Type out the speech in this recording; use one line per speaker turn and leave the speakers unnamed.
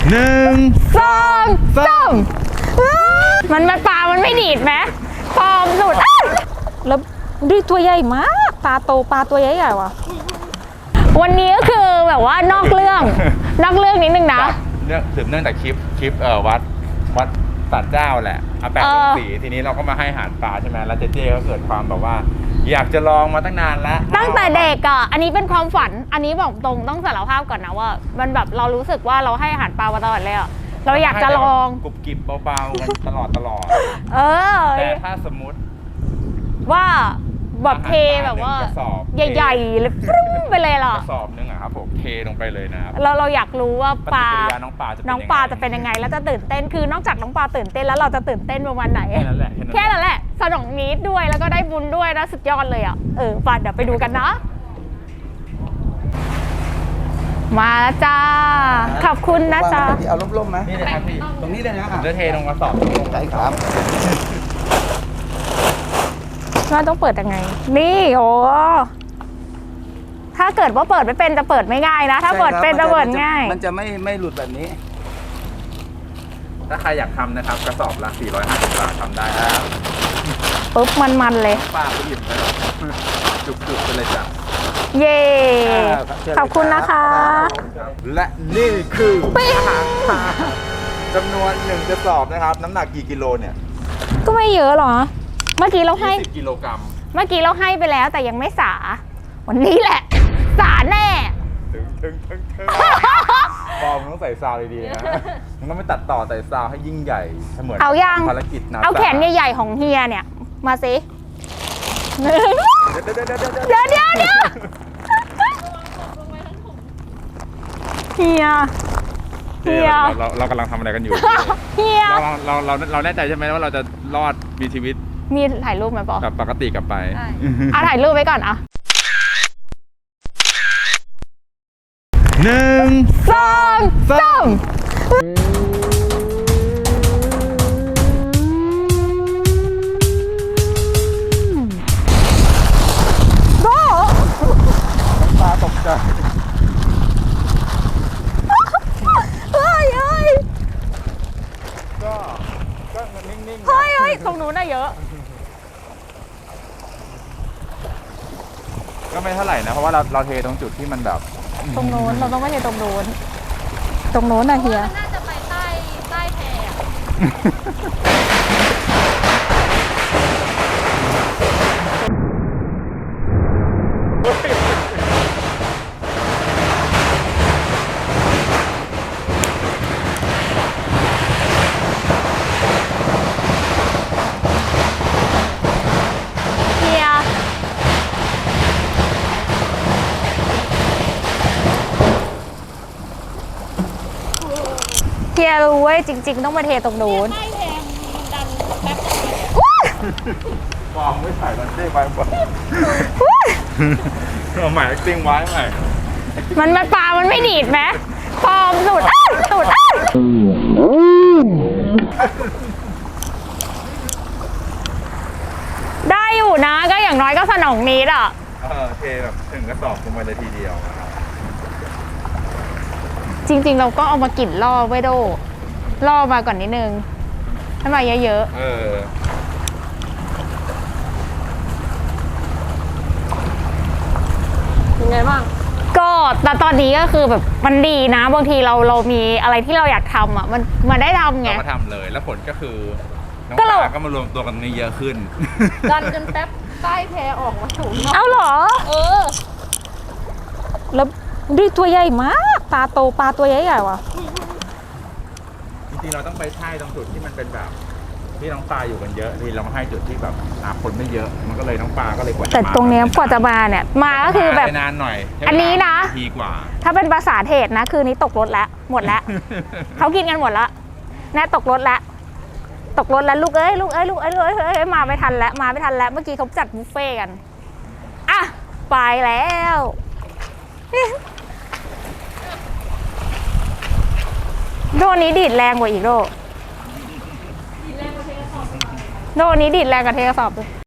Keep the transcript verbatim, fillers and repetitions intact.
หนึ่ง
สองสามมันมันปลามันไม่ดีดไหมปลอมสุดแล้วดูตัวใหญ่มากปลาโตปลาตัวใหญ่ใหญ่ว่ะวันนี้ก็คือแบบว่านอกเรื่อง นอกเรื่องนิดนึงนะ
เรื่องสืบเนื่องจากคลิปคลิปเอ่อวัดวัดศาลเจ้าแหละอาแปะลงสีทีนี้เราก็มาให้อาหารปลาใช่ไหมแล้วเจเจก็เกิดความแบบว่าอยากจะลองมาตั้งนานแล้ว
ตั้งแต่เด็กอ่ะอันนี้เป็นความฝันอันนี้บอกตรงต้องสารภาพก่อนนะว่ามันแบบเรารู้สึกว่าเราให้อาหารปลามาตลอดเลยอ่ะเราอยากจะลอง
กรุบกริบเบาๆกันตลอดตลอด
เออ
แต่ถ้าสมมติ
ว่าแบบเทแบบว่าใหญ่ๆเลยปรุ้งไปเลยหรอก
ระสอบนึงอะครับผมเทลงไปเลยนะครับ
เราเราอยากรู้ว่าปลา
น้องปลาจะ
น้องปลาจะเป็นยังไงแล้วจะตื่นเต้นคือนอกจากน้องปลาตื่นเต้นแล้วเราจะตื่นเต้นประมาณไหนแค่นั้นแหละแค่นั้นแหละสนองนิดด้วยแล้วก็ได้บุญด้วยนะสุดยอดเลยอ่ะเออปลาเดี๋ยวไปดูกันนะมาจ้าขอบคุณนะจ๊ะ
เอาล่มๆไหม
นี่เลยครับพี่
ตรงนี้เลยนะ
เดี๋ยวเทลงกระสอบลง
ใช่ครับ
ว่าต้องเปิดยังไงนี่โอ้ถ้าเกิดว่าเปิดไม่เป็นจะเปิดไม่ง่ายนะถ้าเปิดเป็นจะเปิดง่าย
มันจะไม่ไม่หลุดแบบนี้
ถ้าใครอยากทำนะครับกระสอบละสี่ร้อยห้าสิบบาททำได้ครับ
ปุ๊บมันๆเลย
ป้าก็หยิบไปจุกๆไปเลยจ้ะ
เย่ขอบคุณนะคะ
และนี่คืออาหารปลาจำนวนหนึ่งกระสอบนะครับน้ำหนักกี่กิโลเนี่ย
ก็ไม่เยอะหรอเมื่อกี้เราให้
ยี่สิบกิโลกรัม
เมื่อกี้เราให้ไปแล้วแต่ยังไม่สาวันนี้แหละสาแน่
ถึงถึงถึงถึงบอมต้องใส่ซาวดีๆนะมันต้องไม่ตัดต่อใส่ซาวให้ยิ่งใหญ่เสมือน
เอายัง
ภารกิจนะ
เอาแขนใหญ่ๆของเฮียเนี่ยมาสิเดี๋ยวเดี๋ยวเดี๋ยวเฮีย
เฮียเราเรากำลังทำอะไรกันอยู่
เฮีย
เราเราเราเราแน่ใจใช่ไหมว่าเราจะรอดมีชีวิต
มีถ่ายรูปไหมปอ
กับปกติกลับไป
อ่ะถ่ายรูปไว้ก่อนอ่ะ
หนึ่ง
สองสามโบ้
ปลาตกใจ
เฮ้ยเฮ้ย
ก็ก็นิ่งๆ
เฮ้ยเฮ้ยตรงนู้นน่ะเยอะ
ก็ไม่เท่าไหร่นะเพราะว่าเราเราเทตรงจุดที่มันแบบ
ตรงโน้นเราต้องไม่เทตรงโน้นตรงโน้นนะเฮีย
น่าจะไปใต้ใต้แพ
เฮียเฮียรู้เว้ยจริงๆต้องมาเทตรงโน้น
ใต้แพมันดันแป๊บ
ฟองไม่ใส่มันเด้ไว้บ่เอาใหม่ติ้งไว้ใหม่
มันมันปลามันไม่ดีดไหมปลอมสุดสุดได้อยู่นะก็อย่างน้อยก็สนองนิดอ่ะ
เออเทแบบถึงกระสอบลงไปเลยทีเดียว
จริงๆเราก็เอามากลิ่นล่อไว้โดล่อมาก่อนนิดนึงให้มาเยอะ
ๆเออ
ยังไงบ้างก็แต่ตอนนี้ก็คือแบบมันดีนะบางทีเราเรามีอะไรที่เราอยากทำอ่ะมันมันได้ทำไง
เราก็ทำเลยแล้วผลก็คือน้องปลาก็มารวมตัวกันนี้เยอะขึ้น
ดันจนแป๊บใต้แพออกมาสูง
เอาเหรอ
เออ
แล้วดูตัวใหญ่มากปลาโตปลาตัวใหญ่ใหญ่ว่ะ
จริงๆเราต้องไปใช่ตรงจุดที่มันเป็นแบบที่น้องปลาอยู่กันเยอะที่เรามาให้จุดที่แบบคนไม่เยอะมันก็เลยน้องปลาก็เลยกว่า
แต่ตรงนี้กว่าจะมาเนี่ยมาก็คือแบบ
นานหน่อย
อันนี้นะ
ทีกว่า
ถ้าเป็นภาษาเทศนะคือนี้ตกรถแล้วหมดแล้วเขากินกันหมดแล้วแน่ตกรถแล้วตกรถแล้วลูกเอ้ยลูกเอ้ยลูกเอ้ยลูกเอ้ยมาไม่ทันแล้วมาไม่ทันแล้วเมื่อกี้เขาจัดบุฟเฟ่กันอ่ะไปแล้วโดนี้ดีดแรงกว่าอีกโดโดนี้ดีดแรงกว่าเทกระสอบเลย